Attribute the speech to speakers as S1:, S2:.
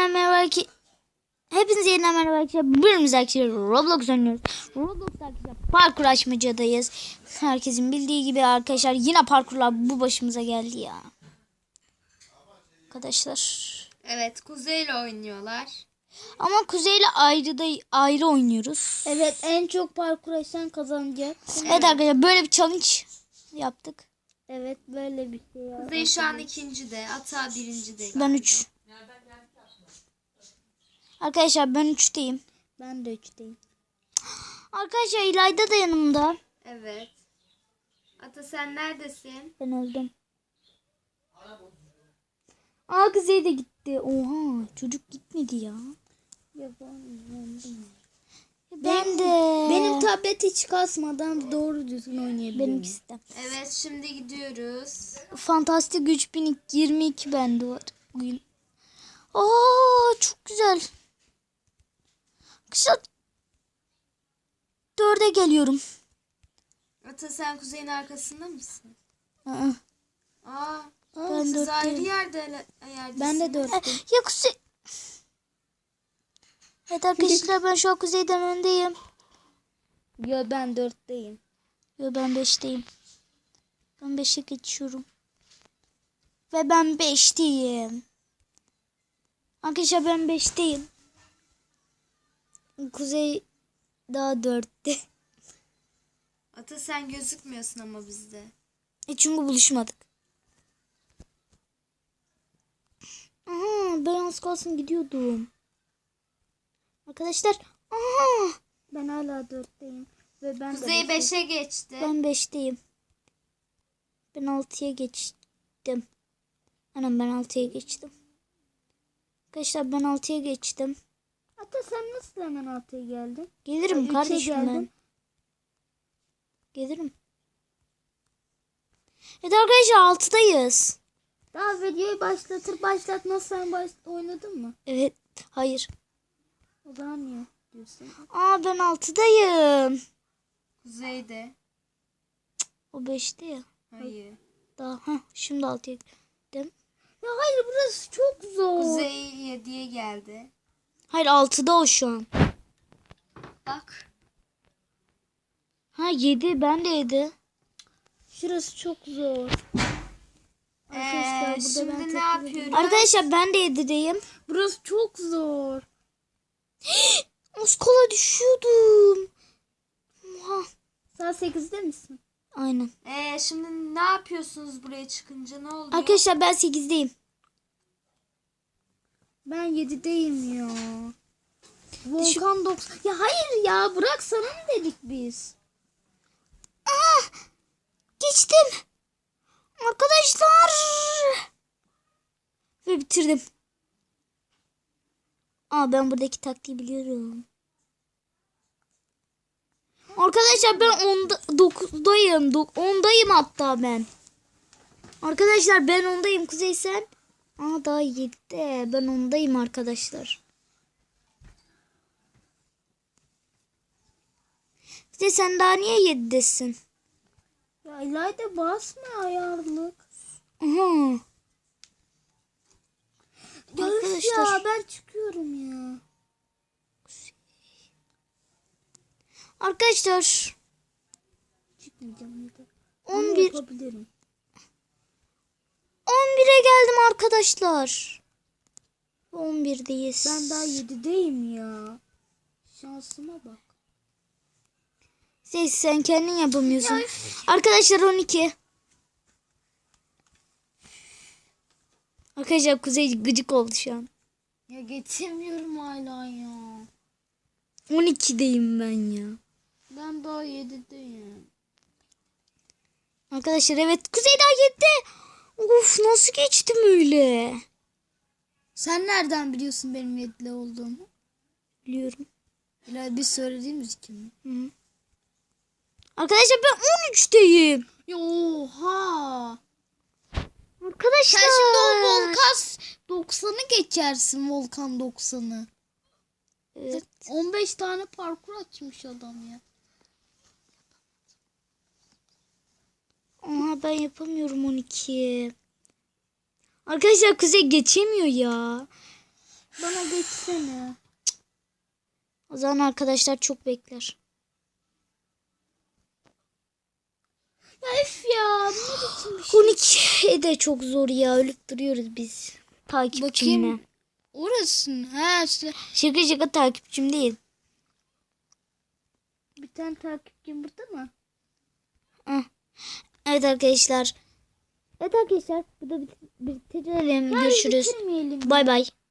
S1: merhaba ki. Hepinize yeniden merhaba arkadaşlar. Bugün arkadaşlar Roblox oynuyoruz. Roblox'ta arkadaşlar parkur açmacadayız. Herkesin bildiği gibi arkadaşlar yine parkurlar bu başımıza geldi ya. Arkadaşlar.
S2: Evet, Kuzey'le oynuyorlar.
S1: Ama Kuzey'le ayrı oynuyoruz.
S3: Evet, en çok parkur açan kazanacak.
S1: Evet arkadaşlar böyle bir challenge yaptık.
S3: Evet, böyle bir şey.
S2: Kuzey şu an ikincide, Ata birincide.
S1: Ben 3. Arkadaşlar ben 3'teyim.
S3: Ben de 3'teyim.
S1: Arkadaşlar İlayda da yanımda.
S2: Evet. Ata sen neredesin?
S1: Ben öldüm. Kuzey de gitti. Oha çocuk gitmedi ya.
S3: Ya ben
S1: Ben de.
S3: Benim tablet hiç kasmadan doğru düzgün oynayabiliyorum.
S1: Benimkisi de.
S2: Evet, şimdi gidiyoruz.
S1: Fantastik 3022 bende var bugün. Çok güzel. Kışa 4'e geliyorum.
S2: Ata sen Kuzey'in arkasında mısın?
S1: Aa,
S2: Aa,
S1: ben
S2: siz
S1: 4'teyim.
S2: ayrı yerdesiniz.
S3: Ben de 4'teyim.
S1: Ya Kuzey. Evet arkadaşlar ben şu an Kuzey'den öndeyim.
S3: Ya ben 4'teyim.
S1: Yo ben 5'teyim. Ben 5'e geçiyorum. Ve ben 5'teyim. Arkadaşlar ben 5'teyim. Kuzey daha 4'te.
S2: Ata sen gözükmüyorsun ama bizde.
S1: Çünkü buluşmadık. Ben az kalsın gidiyordum. Arkadaşlar.
S3: Ben hala 4'teyim. Ve ben
S2: Kuzey
S3: de
S2: 5'e geçti.
S1: Ben 5'teyim. Ben 6'ya geçtim. Anam ben 6'ya geçtim. Arkadaşlar ben 6'ya geçtim.
S3: Hatta sen nasıl hemen 6'ya geldin?
S1: Gelirim
S3: Üçe
S1: kardeşim ben.
S3: geldim.
S1: Gelirim. Evet arkadaşlar 6'dayız.
S3: Daha videoyu başlatmaz sen oynadın mı?
S1: Evet. Hayır.
S3: O zaman niye diyorsun?
S1: Ben 6'dayım.
S2: Kuzey'de.
S1: O 5'te ya.
S2: Hayır.
S1: Daha şimdi 6'ya gittim.
S3: Ya hayır, burası çok zor.
S2: Kuzey 7'ye geldi.
S1: Hayır 6'da o şu an.
S2: Bak.
S1: 7 ben de 7.
S3: Şurası çok zor. Arkadaşlar, burada ben
S2: Şimdi ne
S3: takılıyorum.
S2: yapıyoruz?
S1: Arkadaşlar ben de 7'deyim.
S3: Burası çok zor.
S1: Az kola düşüyordum. Oha.
S3: Sen 8'de misin?
S1: Aynen.
S2: Şimdi ne yapıyorsunuz buraya çıkınca, ne oluyor?
S1: Arkadaşlar ben 8'deyim.
S3: Ben 7'deyim ya. Volkan 90. Ya hayır ya, bırak, sana mı dedik biz?
S1: Geçtim. Arkadaşlar. Ve bitirdim. Ben buradaki taktiği biliyorum. Arkadaşlar ben 9'dayım. 10'dayım hatta ben. Arkadaşlar ben 10'dayım. Kuzey sen? Daha 7'de. Ben 10'dayım arkadaşlar. Kuzey sen daha niye 7'desin?
S3: Ya İlayda basma ayarlık.
S1: Aha.
S3: Ya
S1: Arkadaşlar.
S3: ya ben çıkıyorum ya.
S1: Arkadaşlar.
S3: Çıkmayacağım ya da.
S1: 11.
S3: Yapabilirim.
S1: 11'e geldim arkadaşlar. 11'deyiz.
S3: Ben daha 7'deyim ya. Şansıma bak.
S1: Sen kendin yapamıyorsun. Arkadaşlar 12. Arkadaşlar Kuzey gıcık oldu şu an.
S3: Ya geçemiyorum hala ya.
S1: 12'deyim ben ya.
S3: Ben daha 7'deyim.
S1: Arkadaşlar evet Kuzey daha 7'de. Of nasıl geçtim öyle?
S3: Sen nereden biliyorsun benim 7'de olduğumu?
S1: Biliyorum.
S3: İlayda biz söylediğimiz kim?
S1: Hı. Arkadaşlar ben 13'teyim.
S3: Ya oha.
S1: Arkadaşlar.
S3: Sen şimdi o Volkan 90'ı geçersin, Volkan 90'ı.
S1: Evet.
S3: 15 tane parkur açmış adam ya.
S1: Ben yapamıyorum 12. Arkadaşlar Kuzey geçemiyor ya.
S3: Bana geçsene.
S1: O zaman arkadaşlar çok bekler.
S3: Ya üf ya. Bu ne biçim bir şey?
S1: 12 de çok zor ya. Ölüp duruyoruz biz. Takipçimle.
S3: Bakayım. Orası mı? Ha işte.
S1: Şaka şaka takipçim değil.
S3: Bir tane takipçim burada mı?
S1: Evet arkadaşlar. Evet arkadaşlar. Burada bitirelim. Görüşürüz.
S3: Bitirmeyelim.
S1: Bay bay.